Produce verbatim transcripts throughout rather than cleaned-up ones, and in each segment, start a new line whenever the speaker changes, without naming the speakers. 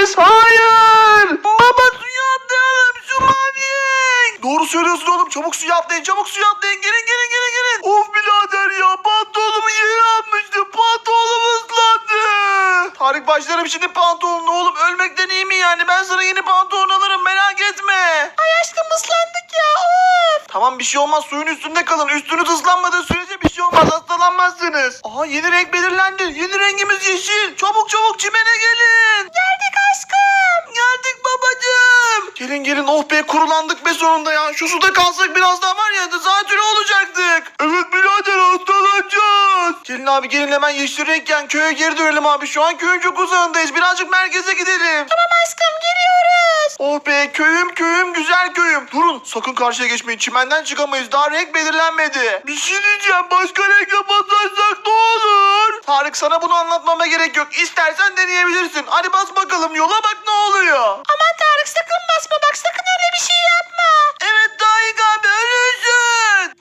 Polis hayır. Baba suya atlayalım şu maviye. Doğru söylüyorsun oğlum, çabuk suya atlayın, çabuk suya atlayın, gelin gelin gelin gelin. Of birader ya, pantolonumu yere atmıştım, pantolonum ıslandı. Tarık başlarım şimdi pantolonunu oğlum, ölmekten iyi mi yani? Ben sana yeni pantolon alırım, merak etme. Ay aşkım ıslandık ya, of. Tamam bir şey olmaz, suyun üstünde kalın, üstünüz ıslanmadığı sürece bir şey olmaz, hastalanmazsınız. Aha yeni renk belirlendi, yeni rengimiz yeşil. Çabuk çabuk çimene gelin. Geldik aşkım. Geldik babacığım. Gelin gelin, oh be kurulandık be sonunda ya. Şu suda kalsak biraz daha var ya, zatürre olacaktık. Evet birader, hastalanacağız. Gelin abi gelin, hemen yeşil renkken köye geri dönelim abi. Şu an köyün çok uzağındayız, birazcık merkeze gidelim. Tamam aşkım, geliyoruz. Oh be köyüm köyüm, güzel köyüm. Durun sakın karşıya geçmeyin, çimenden çıkamayız, daha renk belirlenmedi. Bir şey diyeceğim, başka renk basarsak ne olur? Tarık sana bunu anlatmama gerek yok, İstersen deneyebilirsin. Hadi bas bakalım, yola bak ne oluyor. Aman Tarık sakın basma, bak sakın öyle bir şey yapma. Evet Tarık abi, ölürsün.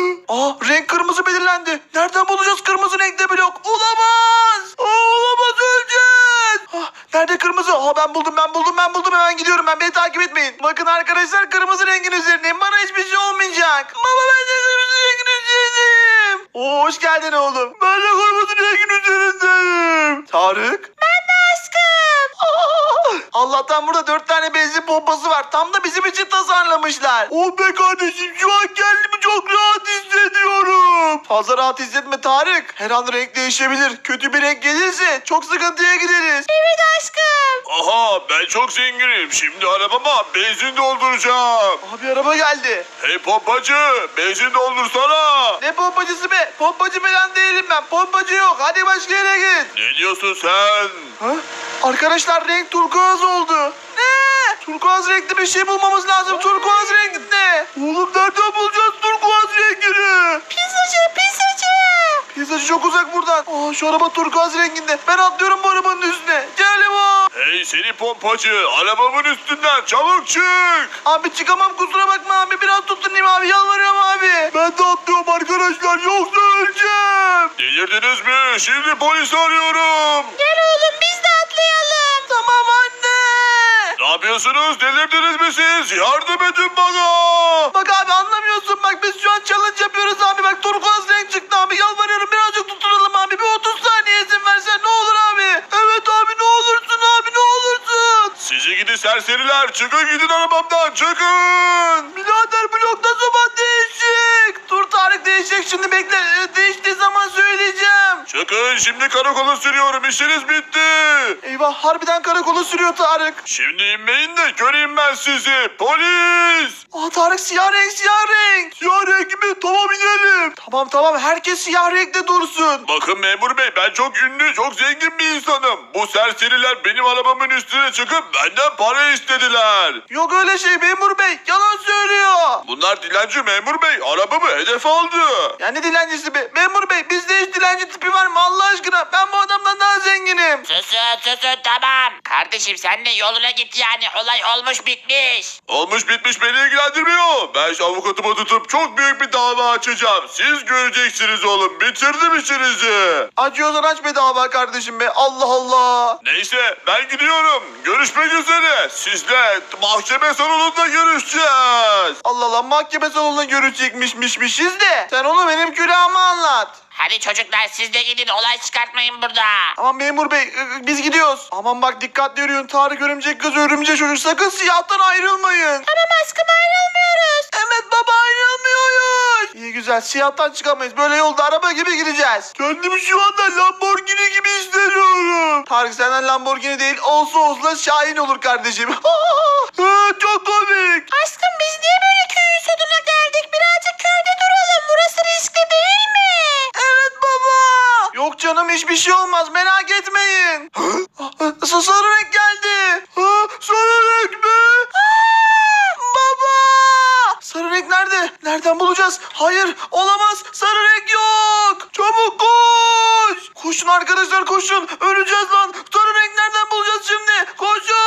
Aa renk kırmızı belirlendi. Nereden bulacağız kırmızı renkte blok? Olamaz. Aa, olamaz, öleceğiz. Ah, nerede kırmızı? Aa, ben buldum ben buldum ben buldum, hemen gidiyorum ben, beni takip etmeyin. Bakın arkadaşlar, kırmızı rengin üzerindeyim, bana hiçbir şey olmayacak. Baba ben de kırmızı rengin üzerindeyim. Oo, hoş geldin oğlum. Ben de kırmızı rengin üzerindeyim. Tarık. Ben de aşkım. Aa, Allah'tan burada dört tane benzin pompası var. Tam da bizim için tasarlamışlar. Oh be kardeşim, şu an kendimi çok rahat hissediyorum. Fazla rahat hissetme Tarık. Her an renk değişebilir. Kötü bir renk gelirse çok sıkıntıya gideriz. Evet aşkım.
Aha ben çok zenginim. Şimdi arabama benzin dolduracağım.
Abi araba geldi.
Hey pompacı, benzin doldursana.
Ne pompacısı be? Pompacı falan değilim ben. Pompacı yok. Hadi başka yere git.
Ne diyorsun sen?
Ha? Arkadaşlar renk turkuaz oldu. Ne? Turkuaz renkli bir şey bulmamız lazım. Turkuaz renkli. Oğlum nereden bulacağız turkuaz rengini? Pizzacı, pizzacı. Pizzacı çok uzak buradan. Aa, şu araba turkuaz renginde. Ben atlıyorum bu arabanın üstüne. Gel o.
Hey seni pompacı, arabamın üstünden çabuk çık.
Abi çıkamam, kusura bakma abi. Biraz tutunayım abi, yalvarıyorum abi. Ben de atlıyorum arkadaşlar, yoksa öleceğim.
Delirdiniz mi? Şimdi polisi arıyorum.
Gel oğlum biz de atlayalım. Tamam anne.
Ne yapıyorsunuz? Delirdiniz mi siz? Yardım edin bana.
Bak abi anlamıyorsun, bak biz şu an challenge yapıyoruz abi, bak turkuaz renk çıktı abi, yalvarıyorum birazcık tutunalım abi, bir otuz saniye izin versen ne olur abi. Evet abi ne olursun abi, ne olursun.
Sizi gidi serseriler, çıkın gidin arabamdan, çıkın.
Birader blok ne zaman değişik? Dur Tarık, değişecek şimdi, bekle. Ee, değiştiği zaman söyleyeceğim.
Çıkın, şimdi karakola sürüyorum, işiniz bitti.
Eyvah, harbiden karakola sürüyor Tarık.
Şimdi inmeyin de göreyim ben sizi. Polis!
Aa Tarık, siyah renk siyah renk. Siyah renk mi? Tamam inelim. Tamam tamam, herkes siyah renkte dursun.
Bakın memur bey, ben çok ünlü, çok zengin bir insanım. Bu serseriler benim arabamın üstüne çıkıp benden para istediler.
Yok öyle şey memur bey, yalan söylüyor.
Bunlar dilenci memur bey, arabamı hedef aldı.
Ya ne dilencisi be? Memur bey, bizde hiç dilenci tipi var mı Allah aşkına? Ben bu adamdan daha zenginim.
Susun susun tamam. Kardeşim sen de yoluna git yani. Olay olmuş bitmiş.
Olmuş bitmiş beni ilgilendirmiyor. Ben şu avukatımı tutup çok büyük bir dava açacağım. Siz göreceksiniz oğlum, bitirdim işinizi.
Açıyorsan aç be dava kardeşim be. Allah Allah.
Neyse ben gidiyorum. Görüşmek üzere. Sizle mahkeme salonunda görüşeceğiz.
Allah Allah, mahkeme salonunda görüşecekmişmişmişiz de. Sen onu benim külahıma anlat.
Hadi çocuklar siz de gidin. Olay çıkartmayın burada.
Aman memur bey, ı- biz gidiyoruz. Aman bak dikkatli yürüyün. Tarık örümcek kız, örümcek çocuk, sakın siyahtan ayrılmayın. Tamam aşkım, ayrılmıyoruz. Evet baba, ayrılmıyoruz. İyi güzel, siyahtan çıkamayız. Böyle yolda araba gibi gideceğiz. Kendimi şu anda Lamborghini gibi hissediyorum. Tarık senden Lamborghini değil, olsa olsa Şahin olur kardeşim. Ha, çok komik. Aşkım biz niye böyle köyün sonuna geldik? Birazcık köyde duralım. Burası riskli değil mi? Evet baba. Yok canım, hiçbir şey olmaz, merak etmeyin. Sa- Sarı renk geldi. Ha, sarı renk mi? Aa, baba. Sarı renk nerede? Nereden bulacağız? Hayır olamaz, sarı renk yok. Çabuk koş. Koşun arkadaşlar, koşun. Öleceğiz lan. Sarı renk nereden bulacağız şimdi?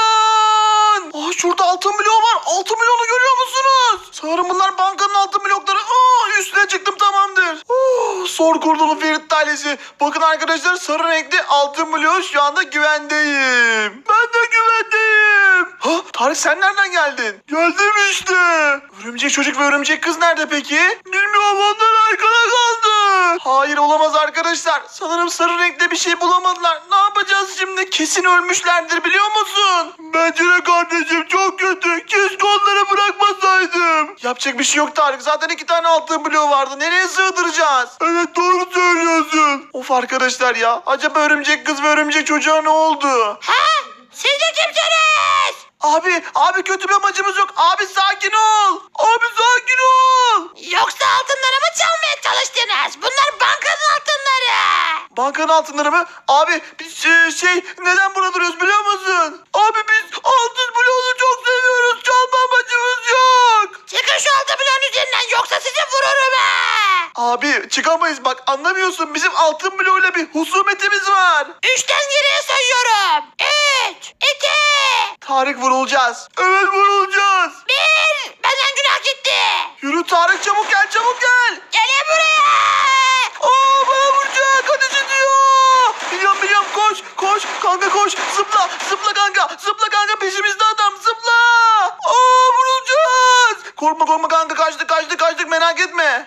Koşun. Aa, şurada altın bloğu var. Altın bloğunu görüyor musunuz? Sanırım bunlar bankanın altın blokları. Aa, üstüne çıktım, tamamdır. Oh, zor kurtulun Ferit ailesi. Bakın Bakın arkadaşlar sarı renkli altın bloğu şu anda güvendeyim. Ben de güvendeyim. Ha, Tarık sen nereden geldin? Geldim işte. Örümcek çocuk ve örümcek kız nerede peki? Bilmiyorum, onlar arkada kaldı. Hayır, olamaz arkadaşlar. Sanırım sarı renkte bir şey bulamadılar. Ne yapacağız şimdi? Kesin ölmüşlerdir, biliyor musun? Bence de kardeşim, çok kötü. Keşke onları bırakmasaydım. Yapacak bir şey yok Tarık. Zaten iki tane altın bloğu vardı. Nereye sığdıracağız? Evet, doğru söylüyorsun. Of arkadaşlar ya. Acaba örümcek kız ve örümcek çocuğa ne oldu?
Ha? Siz de kimsiniz?
Abi, abi kötü bir amacımız yok. Abi sakin ol. Abi sakin ol.
Yoksa altınlarımı çalmaya çalıştınız. Bunlar bankanın altınları.
Bankanın altınları mı? Abi biz e, şey neden burada duruyoruz biliyor musun? Abi biz altın bloğunu çok seviyoruz. Çalma amacımız yok.
Çıkın şu altın bloğun üzerinden yoksa sizi vururum ha.
Abi çıkamayız, bak anlamıyorsun. Bizim altın bloğuyla bir husumetimiz var.
Üçten geriye sayıyorum. Üç, iki,
Tarık, vurulacağız. Evet, vurulacağız.
bir. Benden günah gitti.
Yürü Tarık, çabuk gel, çabuk gel.
Gelin buraya.
Aa, bana vuracak, ateş ediyor. Biliyorum biliyorum, koş koş kanka, koş. Zıpla zıpla kanka, zıpla kanka, peşimizde adam, zıpla. Aa, vurulacağız. Korkma korkma kanka, kaçtık kaçtık kaçtık, merak etme.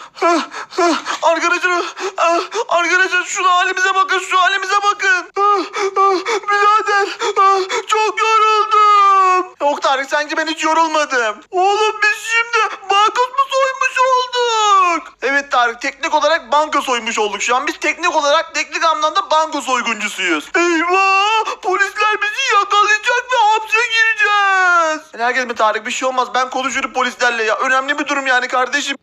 Arkadaşlar, ah, arkadaşlar şu halimize bakın, şu halimize bakın. Birader, ah, çok yoruldum. Yok Tarık, sanki ben hiç yorulmadım. Oğlum biz şimdi banka mı soymuş olduk? Evet Tarık, teknik olarak banka soymuş olduk şu an. Biz teknik olarak, teknik anlamda banka soyguncusuyuz. Eyvah! Polisler bizi yakalayacak ve hapse gireceğiz. Merak etme Tarık, bir şey olmaz. Ben konuşurum polislerle ya. Önemli bir durum yani kardeşim.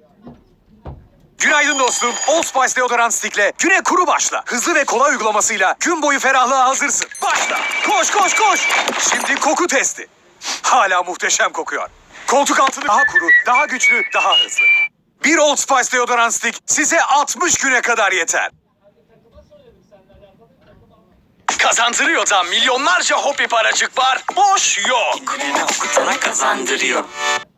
Günaydın dostum. Old Spice deodorant stick'le güne kuru başla. Hızlı ve kolay uygulamasıyla gün boyu ferahlığa hazırsın. Başla. Koş koş koş. Şimdi koku testi. Hala muhteşem kokuyor. Koltuk altını daha kuru, daha güçlü, daha hızlı. Bir Old Spice deodorant stick size altmış güne kadar yeter. Kazandırıyor da milyonlarca hobi paracık var. Boş yok.
Sana kazandırıyor.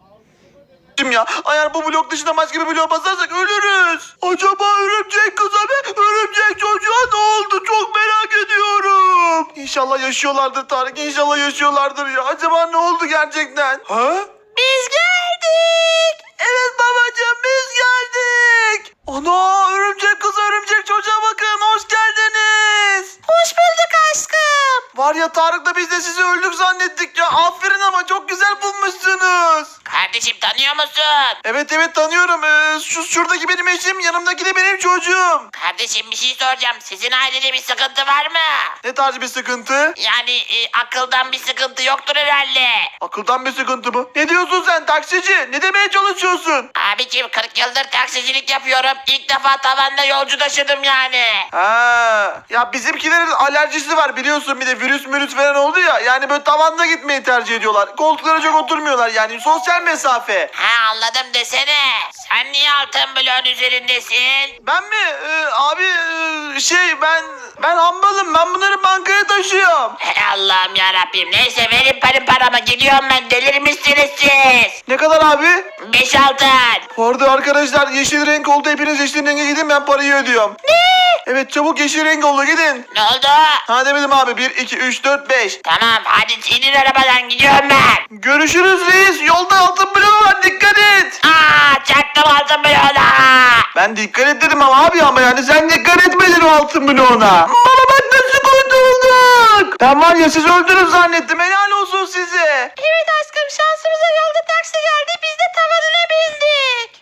Ya eğer bu blok dışında başka bir blok basarsak ölürüz. Acaba örümcek kıza ve örümcek çocuğa ne oldu? Çok merak ediyorum. İnşallah yaşıyorlardır Tarık. İnşallah yaşıyorlardır ya. Acaba ne oldu gerçekten? Ha?
Biz geldik.
Evet babacığım, biz geldik. Ana, örümcek kız örümcek çocuğa bakın. Hoş geldiniz.
Hoş bulduk aşkım.
Var ya Tarık'la biz de sizi öldük zannettik ya. Aferin, ama çok güzel bulmuşsunuz.
Kardeşim tanıyor musun?
Evet evet tanıyorum. Ee, şu şuradaki benim eşim, yanımdaki de benim çocuğum.
Kardeşim bir şey soracağım. Sizin ailede bir sıkıntı var mı?
Ne tarz bir sıkıntı?
Yani e, akıldan bir sıkıntı yoktur herhalde.
Akıldan bir sıkıntı mı? Ne diyorsun sen taksici? Ne demeye çalışıyorsun?
Abicim kırk yıldır taksicilik yapıyorum. İlk defa tavanda yolcu taşıdım yani.
Ha, ya bizimkilerin alerjisi var biliyorsun, bir de virüs mürüs falan oldu ya. Yani böyle tavanda gitmeyi tercih ediyorlar. Koltuklara çok oturmuyorlar, yani sosyal mesafe.
Ha anladım desene. Sen niye altın bloğun üzerindesin?
Ben mi? Ee, abi ee, şey ben ben hambalım, ben bunları bankaya taşıyorum.
Hey Allah'ım yarabbim. Neyse verin benim paramı. Gidiyorum ben. Delirmişsiniz siz.
Ne kadar abi?
Beş altın.
Bu arada arkadaşlar yeşil renk oldu, hepiniz yeşil renge gidin, ben parayı ödüyorum.
Ne?
Evet çabuk yeşil renk oldu, gidin.
Ne oldu?
Ha demedim abi, bir iki üç dört beş.
Tamam hadi inin arabadan gidiyorum ben.
Görüşürüz reis, yolda altın bloğu var, dikkat et.
Aa çaktım altın bloğuna.
Ben dikkat et dedim ama abi, ama yani sen dikkat etmedin o altın bloğuna. Bana bak nasıl kurtulduk. Ben var ya siz öldünüz zannettim, helal olsun size.
Evet aşkım şansımıza yolda taksi geldi. Biz de tavanına bindik.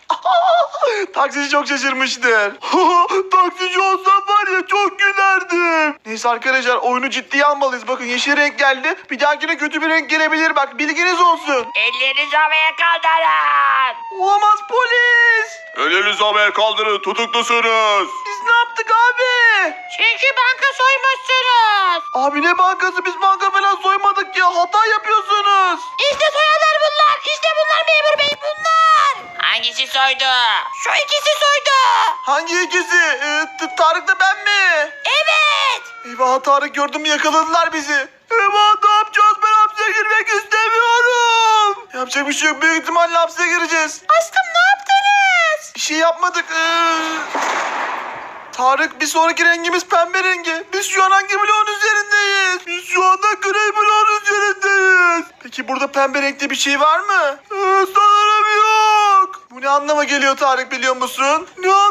Taksici çok şaşırmıştır. Taksici olsam var ya çok gülerdim. Neyse arkadaşlar, oyunu ciddiye almalıyız. Bakın yeşil renk geldi. Bir dahakine kötü bir renk gelebilir, bak bilginiz olsun.
Ellerinizi havaya kaldırın.
Olamaz, polis.
Elinizi havaya kaldırın, tutuklusunuz.
Biz ne yaptık abi?
Çünkü banka soymuşsunuz.
Abi ne bankası, biz banka falan soymadık ya, hata yapıyorsunuz.
İşte soyanlar bunlar. İşte bunlar memur bey bunlar. Hangisi soydu? Şu ikisi soydu.
Hangi ikisi? Ee, T- Tarık da ben mi?
Evet.
Eyvah, Tarık gördün mü, yakaladılar bizi. Eyvah, ne yapacağız, ben hapse girmek istemiyorum. Yapacak bir şey yok, büyük ihtimalle hapse gireceğiz.
Aşkım ne yaptınız?
Bir şey yapmadık. Ee... Tarık bir sonraki rengimiz pembe rengi. Biz şu an hangi bloğun üzerindeyiz? Biz şu anda gri bloğun üzerindeyiz. Peki burada pembe renkli bir şey var mı? Ee, sanırım yok. Bu ne anlama geliyor Tarık biliyor musun? Ne